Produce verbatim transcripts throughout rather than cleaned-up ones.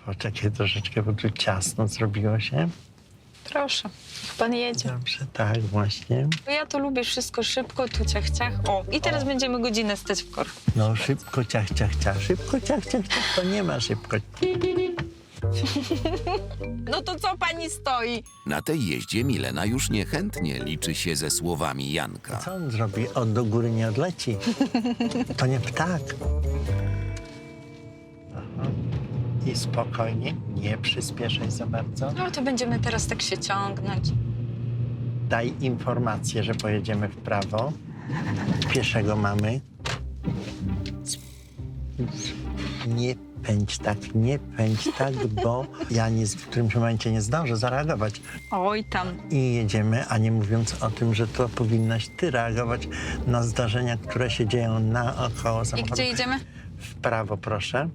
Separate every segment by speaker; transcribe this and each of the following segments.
Speaker 1: Poczekaj troszeczkę, bo tu ciasno zrobiło się.
Speaker 2: Proszę, niech pan jedzie.
Speaker 1: Dobrze, tak, właśnie.
Speaker 2: Ja to lubię wszystko szybko, tu ciach, ciach. O, i teraz
Speaker 1: O.
Speaker 2: będziemy godzinę stać w korku.
Speaker 1: No szybko, ciach, ciach, ciach. Szybko, ciach, ciach, ciach. To nie ma szybko.
Speaker 2: No to co pani stoi?
Speaker 3: Na tej jeździe Milena już niechętnie liczy się ze słowami Janka.
Speaker 1: Co on zrobi? On do góry nie odleci. To nie ptak. Aha. I spokojnie, nie przyspieszaj za bardzo.
Speaker 2: No to będziemy teraz tak się ciągnąć.
Speaker 1: Daj informację, że pojedziemy w prawo. Pieszego mamy. Nie pędź tak, nie pędź tak, bo ja nie, w którymś momencie nie zdążę zareagować.
Speaker 2: Oj tam.
Speaker 1: I jedziemy, a nie mówiąc o tym, że to powinnaś ty reagować na zdarzenia, które się dzieją naokoło
Speaker 2: I
Speaker 1: samochodu.
Speaker 2: gdzie idziemy?
Speaker 1: W prawo, proszę.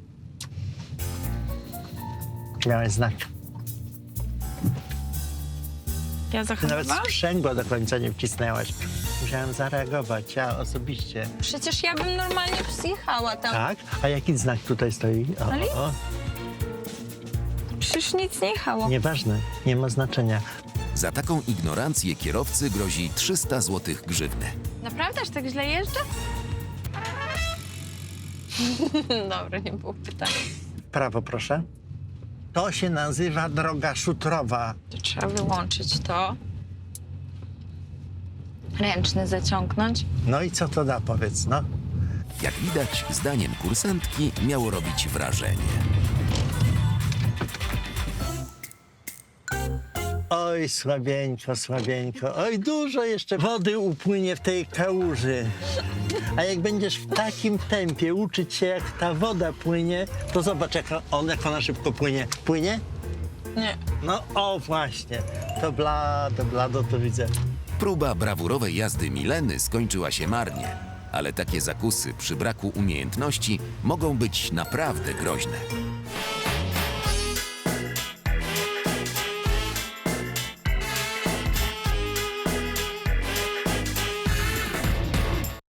Speaker 1: Miałeś znak.
Speaker 2: Ja
Speaker 1: Ty nawet
Speaker 2: zahamowałam?
Speaker 1: sprzęgła do końca nie wcisnęłaś. Musiałem zareagować, ja osobiście.
Speaker 2: Przecież ja bym normalnie zjechała tam.
Speaker 1: Tak? A jaki znak tutaj stoi? O,
Speaker 2: Ale-
Speaker 1: o, o.
Speaker 2: Przecież nic nie jechało.
Speaker 1: Nieważne, nie ma znaczenia.
Speaker 3: Za taką ignorancję kierowcy grozi trzysta złotych grzywny.
Speaker 2: Naprawdę aż tak źle jeżdżę? Dobra, nie było pytania.
Speaker 1: W prawo, proszę. To się nazywa droga szutrowa.
Speaker 2: To trzeba wyłączyć to. Ręczny zaciągnąć.
Speaker 1: No i co to da, powiedz, no?
Speaker 3: Jak widać, zdaniem kursantki miało robić wrażenie.
Speaker 1: Oj, słabieńko, słabieńko. Oj, dużo jeszcze wody upłynie w tej kałuży. A jak będziesz w takim tempie uczyć się, jak ta woda płynie, to zobacz, jak, on, jak ona szybko płynie. Płynie?
Speaker 2: Nie.
Speaker 1: No, o właśnie. To blado, blado to widzę.
Speaker 3: Próba brawurowej jazdy Mileny skończyła się marnie, ale takie zakusy przy braku umiejętności mogą być naprawdę groźne.